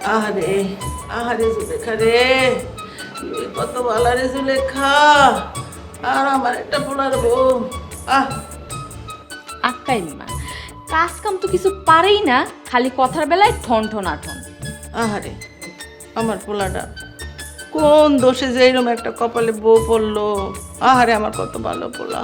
আহারে আহারে জুলেখা রে, তুই কত ভালো রে জুলেখা। আর আমার একটা পোলার বউ। আহ আক্কাই মা, কাজ কাম তো কিছু পারেই না, খালি কথার বেলায় ঠন ঠন আঠন। আহারে আমার পোলাটা কোন দোষে যে এরকম একটা কপালে বউ পড়লো। আহারে আমার কত ভালো পোলা।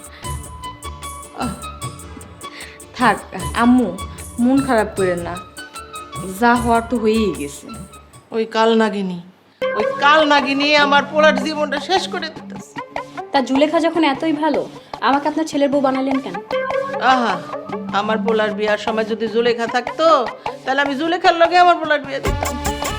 থাক আম্মু, মন খারাপ করেন না, যা হওয়ার তো হয়েই গেছে। ওই কাল নাগিনী আমার পোলার জীবনটা শেষ করে দিতেছে। তা জুলেখা যখন এতই ভালো, আমাকে আপনার ছেলের বউ বানালেন কেন? আহা, আমার পোলার বিয়ার সময় যদি জুলেখা থাকতো তাহলে আমি জুলেখার লগে আমার পোলার বিয়ে দিতাম।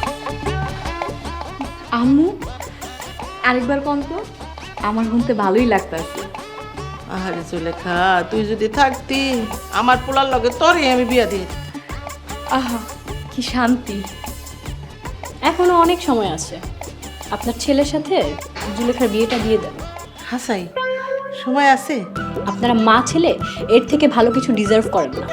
আম্মু আরেকবার কোন তো, আমার শুনতে ভালোই লাগতেছে। আহারে জুলেখা, তুই যদি থাকতি আমার পোলার লগে তোরই আমি বিয়া দিয়ে দিতাম। আহা কি শান্তি। এখনো অনেক সময় আছে, আপনার ছেলের সাথে জুলেখার বিয়েটা দিয়ে দেন। হাসাই, সময় আছে? আপনারা মা ছেলে এর থেকে ভালো কিছু ডিজার্ভ করেন না।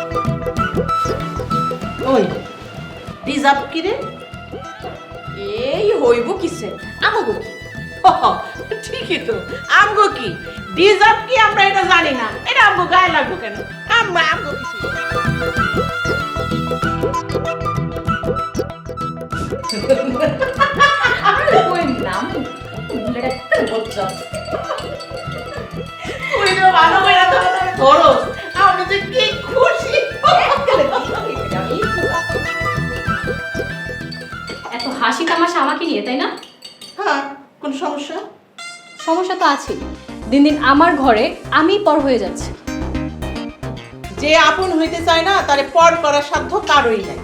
ওই রিজার্ভ কি রে? এই হইব কিসে, আমাগো কি? ঠিকই তো, আমগো কি রিজার্ভ কি আমরা এটা জানি না, এটা আমগো গায়ে লাগবো কেন? আমগো কিছু ওই নাম বলছো তুই তো ভালো করে ধরো, আমি যে কি খুশি। এত হাসি তামাশা আমাকে নিয়ে, তাই না? হ্যাঁ, কোন সমস্যা? সমস্যা তো আছেই, দিন দিন আমার ঘরে আমি পর হয়ে যাচ্ছি। যে আপন হইতে চায় না তারে পর করার সাধ্য কারোই নাই।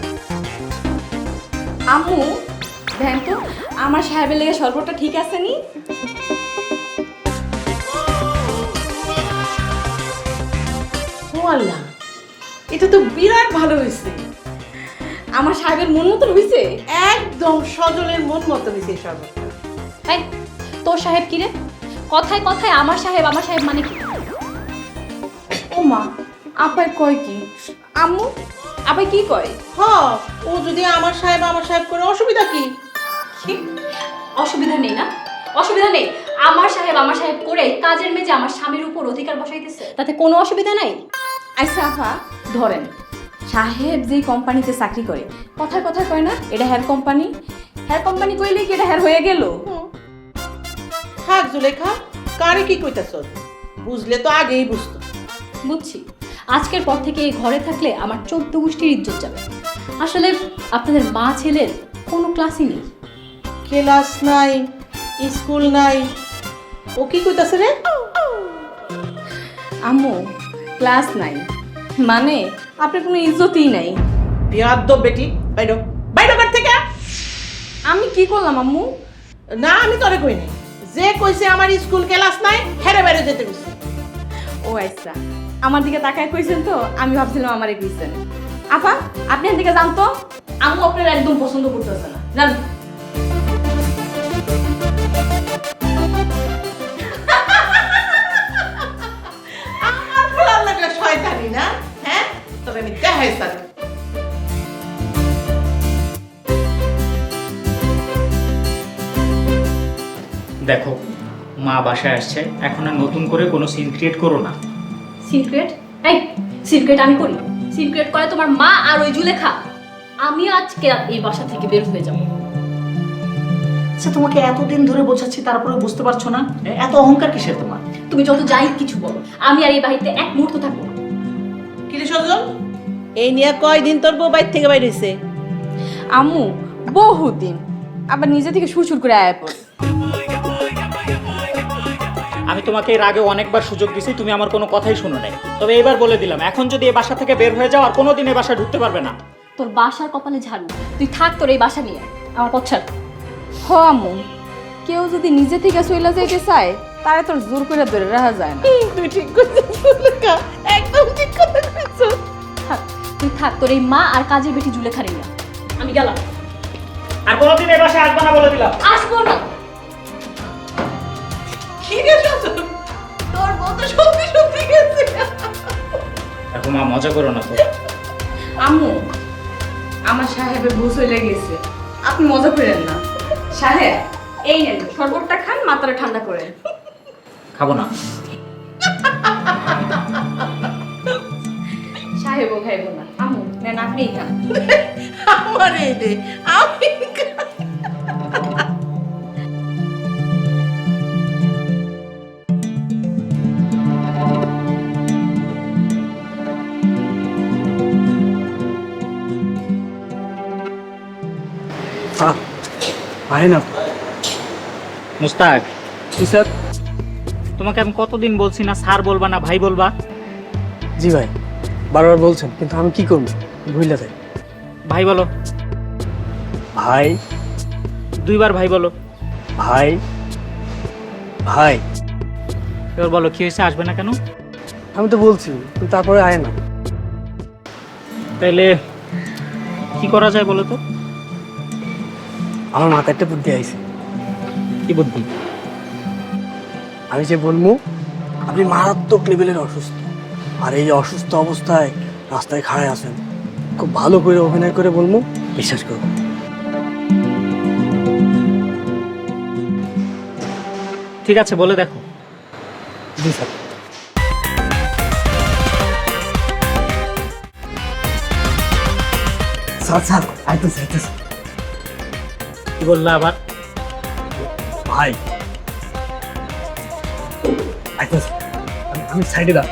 আম্মু দেখেন তো আমার সাহেবের লেগে শরবতটা ঠিক আছে নি? ও আল্লাহ, এটা তো বিরাট ভালো হয়েছে। আমার সাহেবের মন মতন হইছে। একদম সজলের মন মতো হয়েছে সর্বত্র। তাই তোর সাহেব কি রে? কথায় কথায় আমার সাহেব মানে কি? ও মা, আপাই কয় কি? আম্মু আপাই কি কয়? হ, ও যদি আমার সাহেব করে অসুবিধা কি? কি? অসুবিধা নেই না? অসুবিধা নেই। আমার সাহেব করে কাজের মেজে আমার স্বামীর উপর অধিকার বসাইতেছে, তাতে কোনো অসুবিধা নাই। আচ্ছা আপা ধরেন, সাহেব যেই কোম্পানিতে চাকরি করে, কথায় কথায় কয় না এটা হেয়ার কোম্পানি কইলে কি এটা হেয়ার হয়ে গেল? থাক জুলেখা, কারে কি কইতাছ? বুঝলে তো আগেই বুঝতো। বুঝছি, আজকের পর থেকে এই ঘরে থাকলে আমার 14 গোষ্ঠীর ইজ্জত যাবে। আসলে আপনাদের মা ছেলের কোনো ক্লাসই নেই। ক্লাস নাই, স্কুল নাই, ও কি কইতাছে রে? আম্মু ক্লাস নাই মানে আপনার কোনো ইজ্জতই নাই। বিয়াদ্দব বেটি, বাইরো বাইরো ঘর থেকে। আমি কি করলাম আম্মু? না, আমি তোরে কই নাই। যে কইছে আমার স্কুল ক্লাস নাই, হেরে বাইরে যেতে কইছে। ও আচ্ছা, আমার দিকে তাকায় কইছেন তো আমি ভাবছিলাম আমারে কইছেন। আপা আপনি এদিকে যান তো, আম্মু আপনার একদম পছন্দ করতেছে না, জান। আমার পোলার লাগলে শয়তানি না, হ্যাঁ? তবে আমি দেখাই সারি। দেখো, মা বাসায় আসছে, এখন আর নতুন করে কোনো সিন ক্রিয়েট করো না। সিক্রেট? এই সিক্রেট আমি করি? সিক্রেট করে তোমার মা আর ওই জুলেখা। আমি আজকে এই বাসা থেকে বের হয়ে যাব। আচ্ছা, তোমাকে এতদিন ধরে বোঝাচ্ছি, তারপরে বুঝতে পারছো না? এত অহংকার কিসের তোমার? তুমি যত যাই কিছু বলো, আমি আর এই বাড়িতে এক মুহূর্ত থাকবো না। কি রে সজল, এই নিয়ে কয়দিন তোর বউ বাইর থেকে বাইর হইছে? আম্মু বহুদিন, আবার নিজে থেকে সুর করে আয়া পড়ে। আমি তোমাকে এর আগে অনেকবার সুযোগ দিছি, তুমি আমার কোনো কথাই শুনো নাই। তবে এবার বলে দিলাম, এখন যদি এই বাসা থেকে বের হয়ে যাও আর কোনোদিন এই বাসায় ঢুকতে পারবে না। তোর বাসার কপালে ঝাড়ু, তুই থাক তোর এই বাসা নিয়ে, আমার পথ ছাড়। হ আম্মু, কেউ যদি নিজে থেকে চলে যাইতে চায় তারে তোর জোর করে ধরে রাখা যায় না। তুই ঠিক কইছিস জুলেখা, একদম ঠিক কথা কইছিস। থাক, তুই থাক তোর এই মা আর কাজের বেটি জুলেখা নিয়ে। আমি গেলাম। আর কোনোদিন এই বাসায় আসবে না বলে দিলাম। আসবো না। কি রে সজল, তোর বউ তো সত্যি গেছে। এখন মা মজা করো না তো। আম্মু আমার সাহেবের ভুল হয়ে গেছে, আপনি মজা করেন না। সাহেব, এই নেন শরবতটা খান, মাথাটা ঠান্ডা করেন। খাবো না। সাহেবও খাইব না, আমু নেন আপনিই খান। আমার এই দে, আমি আয় না। মুস্তাক, জি স্যার। তোমাকে আমি কতদিন বলছি না স্যার বলবা না ভাই বলবা? জি ভাই, বারবার বলছেন, কিন্তু আমি কি করবো, ভুলে যাই। ভাই বলো। ভাই। 2 বার ভাই বলো। ভাই। ভাই। এবার বলো কি হয়েছে, আসবে না কেন? আমি তো বলছি, কিন্তু তারপরে আয় না। তাইলে কি করা যায় বলো তো? আমার মাথায় একটা বুদ্ধি আইছে। কি বুদ্ধি? আমি যে বলবো আপনি মারাত্মক লেভেলের অসুস্থ, আর এই অসুস্থ অবস্থায় রাস্তায় খাড়ায় আছেন, খুব ভালো করে অভিনয় করে বলবো, বিশ্বাস করবো। ঠিক আছে, বলে দেখো। জি স্যার। স্যার স্যার আইতেছে আইতেছে। কি বললা আবার? ভাই আইতেছে, আমি সাইডে দাঁড়।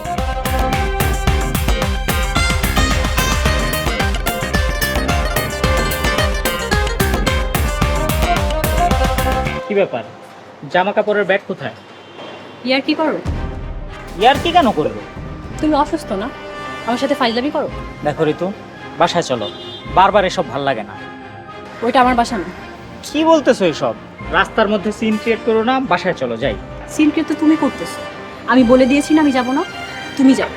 কি ব্যাপার, জামা কাপড়ের ব্যাগ কোথায়? ইয়ার কি করো? ইয়ার কি কেন করবো? তুমি অসুস্থ না, আমার সাথে ফাইজলামি করো? দেখো ঋতু, বাসায় চলো, বারবার এসব ভাল লাগে না। ওইটা আমার বাসা না। কি বলতেছো এসব? রাস্তার মধ্যে সিন ক্রিয়েট করো না, বাসায় চলো যাই। সিনক্রিয়েট তো তুমি করতেছো, আমি বলে দিয়েছি না আমি যাব না, তুমি যাও।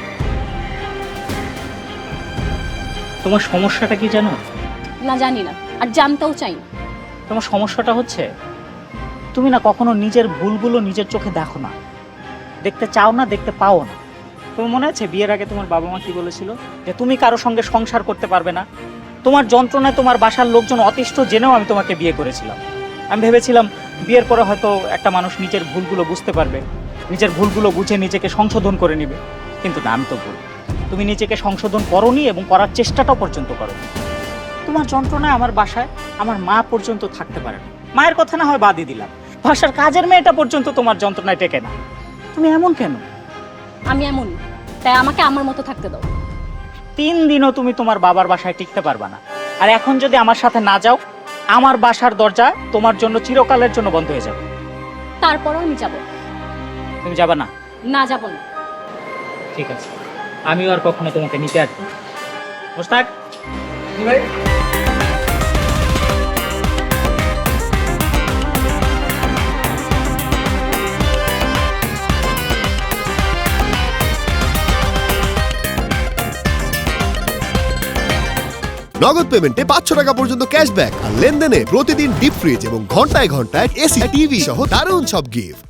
তোমার সমস্যাটা কি জানো? না জানি না, আর জানতেও চাই না। তোমার সমস্যাটা হচ্ছে তুমি না কখনো নিজের ভুলগুলো নিজের চোখে দেখো না, দেখতে চাও না, দেখতে পাও না। তোমার মনে আছে বিয়ের আগে তোমার বাবা মা কি বলেছিল? যে তুমি কারো সঙ্গে সংসার করতে পারবে না। তোমার যন্ত্রণায় তোমার বাসার লোকজন অতিষ্ঠ জেনেও আমি তোমাকে বিয়ে করেছিলাম। আমি ভেবেছিলাম বিয়ের পরে হয়তো একটা মানুষ নিজের ভুলগুলো বুঝতে পারবে, নিজের ভুলগুলো বুঝে নিজেকে সংশোধন করে নেবে। কিন্তু না, আমি তো ভুল। তুমি নিজেকে সংশোধন করোনি এবং করার চেষ্টাটাও পর্যন্ত করোনি। তোমার যন্ত্রণায় আমার বাসায় আমার মা পর্যন্ত থাকতে পারে না। মায়ের কথা না হয় বাদই দিলাম, বাসার কাজের মেয়েটা পর্যন্ত তোমার যন্ত্রণায় টেকে না। তুমি এমন কেন? আমি এমন, তাই আমাকে আমার মতো থাকতে দাও। 3 দিনও তুমি তোমার বাবার বাসায় টিকতে পারবা না। আর এখন যদি আমার সাথে না যাও, আমার বাসার দরজা তোমার জন্য চিরকালের জন্য বন্ধ হয়ে যাবে। তারপরও আমি যাব। তুমি যাবে না? না, যাব না। ঠিক আছে, আমিও আর কখনো তোমাকে নিতে আসবো না। মুস্তাক, ভাই। নগদ পেমেন্টে 500 টাকা পর্যন্ত ক্যাশব্যাক আর লেনদেনে প্রতিদিন ডিপ ফ্রিজ এবং ঘন্টায় ঘন্টায় এসি টিভি সহ দারুণ সব গিফট।